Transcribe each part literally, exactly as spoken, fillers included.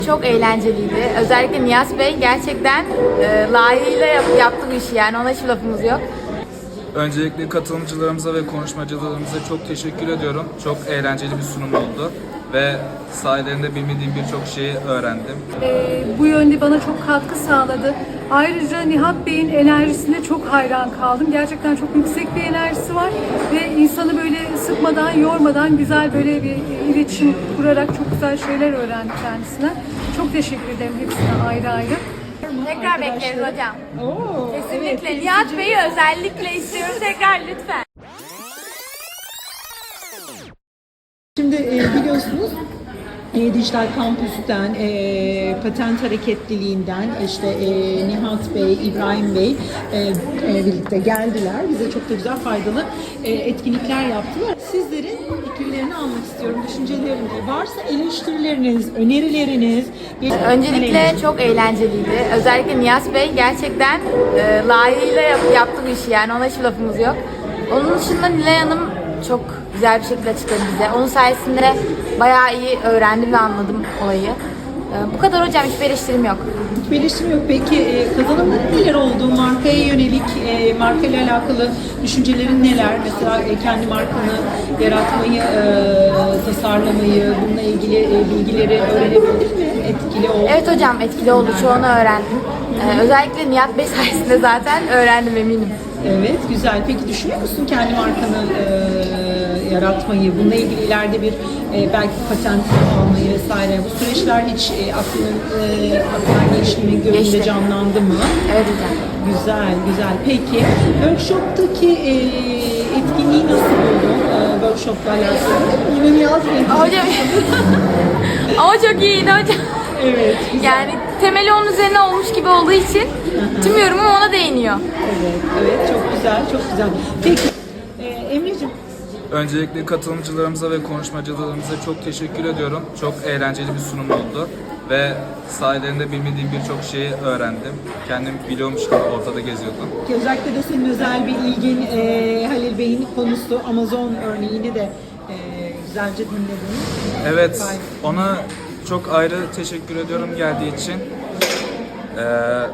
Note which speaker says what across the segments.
Speaker 1: Çok eğlenceliydi. Özellikle Nihat Bey gerçekten e, layığıyla yap, yaptı bu işi, yani ona hiç lafımız yok.
Speaker 2: Öncelikle katılımcılarımıza ve konuşmacılarımıza çok teşekkür ediyorum. Çok eğlenceli bir sunum oldu ve sayelerinde bilmediğim birçok şeyi öğrendim.
Speaker 3: Ee, bu yönde bana çok katkı sağladı. Ayrıca Nihat Bey'in enerjisine çok hayran kaldım. Gerçekten çok yüksek bir enerjisi var ve insanı böyle sıkmadan, yormadan güzel böyle bir iletişim kurarak çok güzel şeyler öğrendim kendisine. Çok teşekkür ederim hepsine ayrı ayrı.
Speaker 1: Tekrar bekleriz hocam.
Speaker 3: Oo,
Speaker 1: Kesinlikle.
Speaker 3: evet,
Speaker 1: Nihat Bey'i özellikle istiyoruz. Tekrar lütfen.
Speaker 4: Şimdi e, biliyorsunuz e, Dijital Kampüs'ten, e, patent hareketliliğinden işte e, Nihat Bey, İbrahim Bey e, e, birlikte geldiler. Bize çok da güzel faydalı e, etkinlikler yaptılar. Sizlerin fikirlerini almak istiyorum, düşünceleriniz. Varsa eleştirileriniz, önerileriniz.
Speaker 1: Öncelikle çok eğlenceliydi. Özellikle Nihat Bey gerçekten e, layığıyla yap, yaptı bu işi, yani ona hiç lafımız yok. Onun dışında Nilay Hanım çok güzel bir şekilde açıkladı bize. Onun sayesinde bayağı iyi öğrendim ve anladım olayı. E, bu kadar hocam, hiçbir eleştirim yok.
Speaker 4: Hiçbir eleştirim yok. Peki e, kazanımların neler oldu? Markaya yönelik, e, markayla alakalı düşüncelerin neler? Mesela e, kendi markanı yaratmayı, e, tasarlamayı, bununla ilgili e, bilgileri öğrenebildin mi? Etkili oldu.
Speaker 1: Evet hocam, etkili oldu. Çoğunu öğrendim. E, özellikle Nihat Bey sayesinde zaten öğrendim, eminim.
Speaker 4: Evet, güzel. Peki düşünüyor musun kendi markanı e, yaratmayı? Bununla ilgili ileride bir e, belki patent almayı vesaire. Bu süreçler hiç e, aklının e, aklına geçti mi, gözünde
Speaker 1: Geçti.
Speaker 4: canlandı mı?
Speaker 1: Evet hocam.
Speaker 4: Güzel, güzel. Peki, workshop'taki e, etkinliği nasıl buldun? E, workshop'la alakalı. Yine Nihat Bey.
Speaker 1: Hocam ama çok iyiydi hocam.
Speaker 4: Evet, güzel.
Speaker 1: Yani temeli onun üzerine olmuş gibi olduğu için tüm yorumum ona değiniyor.
Speaker 4: Evet, evet. Çok güzel, çok güzel. Peki, e, Emre'ciğim.
Speaker 2: Öncelikle katılımcılarımıza ve konuşmacılarımıza çok teşekkür ediyorum. Çok eğlenceli bir sunum oldu ve sayelerinde bilmediğim birçok şeyi öğrendim. Kendim biliyormuş gibi ortada geziyordum.
Speaker 4: Ki özellikle de senin özel bir ilgin e, Halil Bey'in konusu Amazon örneğini de e, güzelce dinledin.
Speaker 2: Evet, ona çok ayrı teşekkür ediyorum geldiği için. Ee,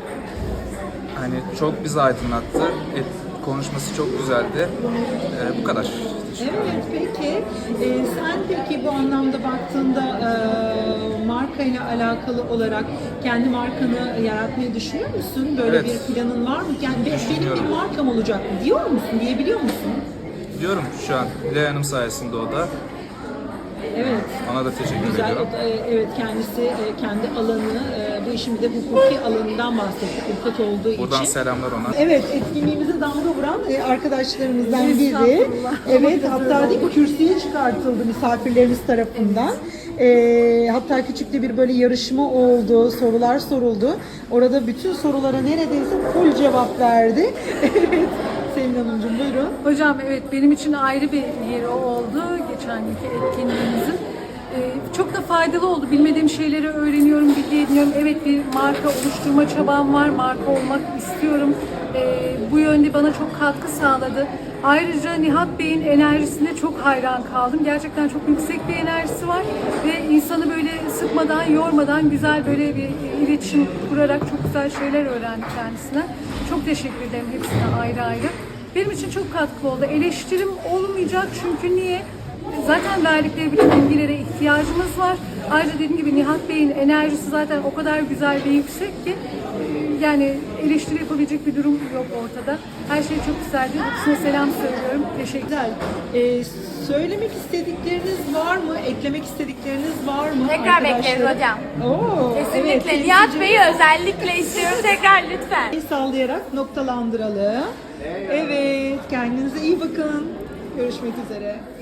Speaker 2: hani çok bizi aydınlattı. Et, konuşması çok güzeldi. Ee, bu kadar.
Speaker 4: Evet, peki. E, sen peki bu anlamda baktığında e, markayla alakalı olarak kendi markanı yaratmayı düşünüyor musun? Böyle
Speaker 2: Evet.
Speaker 4: bir planın var mı? Yani be- benim
Speaker 2: Düşünüyorum.
Speaker 4: bir markam olacak diyor musun? Diyebiliyor musun?
Speaker 2: Diyorum şu an Nilay Hanım sayesinde o da.
Speaker 4: Evet.
Speaker 2: Ona da teşekkür
Speaker 4: Güzel.
Speaker 2: ediyorum.
Speaker 4: O da, e, evet, kendisi e, kendi alanı, e, bu işin bir de hukuki alanından bahsetti. Avukat olduğu
Speaker 2: Buradan
Speaker 4: için.
Speaker 2: selamlar ona.
Speaker 4: Evet, etkinliğimize damga vuran e, arkadaşlarımızdan biri.
Speaker 3: Estağfurullah.
Speaker 4: Evet, hatta değil mi, kürsüye çıkartıldı misafirlerimiz tarafından. E, hatta küçük de bir böyle yarışma oldu, sorular soruldu. Orada bütün sorulara neredeyse full cevap verdi. Evet, Selin Hanımcığım buyurun.
Speaker 3: Hocam evet, benim için ayrı bir yeri oldu geçen günkü etkinliğimizin. Ee, çok da faydalı oldu. Bilmediğim şeyleri öğreniyorum, bilgi ediniyorum. Evet, bir marka oluşturma çabam var. Marka olmak istiyorum. Ee, bu yönde bana çok katkı sağladı. Ayrıca Nihat Bey'in enerjisine çok hayran kaldım. Gerçekten çok yüksek bir enerjisi var ve insanı böyle sıkmadan, yormadan güzel böyle bir iletişim kurarak çok güzel şeyler öğrendim kendisine. Çok teşekkür ederim hepsine ayrı ayrı. Benim için çok katkılı oldu. Eleştirim olmayacak çünkü niye? Zaten verdikleri bütün bilgilere ihtiyacımız var. Ayrıca dediğim gibi Nihat Bey'in enerjisi zaten o kadar güzel ve yüksek ki yani eleştiri yapabilecek bir durum yok ortada. Her şey çok güzeldi. Hepsine selam söylüyorum. Teşekkürler.
Speaker 4: Ee, söylemek istedikleriniz var mı? Eklemek istedikleriniz var mı?
Speaker 1: Tekrar
Speaker 4: arkadaşlar?
Speaker 1: bekleriz hocam.
Speaker 4: Oo,
Speaker 1: Kesinlikle.
Speaker 4: evet.
Speaker 1: Nihat Bey'i özellikle istiyoruz. Tekrar lütfen.
Speaker 4: El sallayarak noktalandıralım. Evet, kendinize iyi bakın. Görüşmek üzere.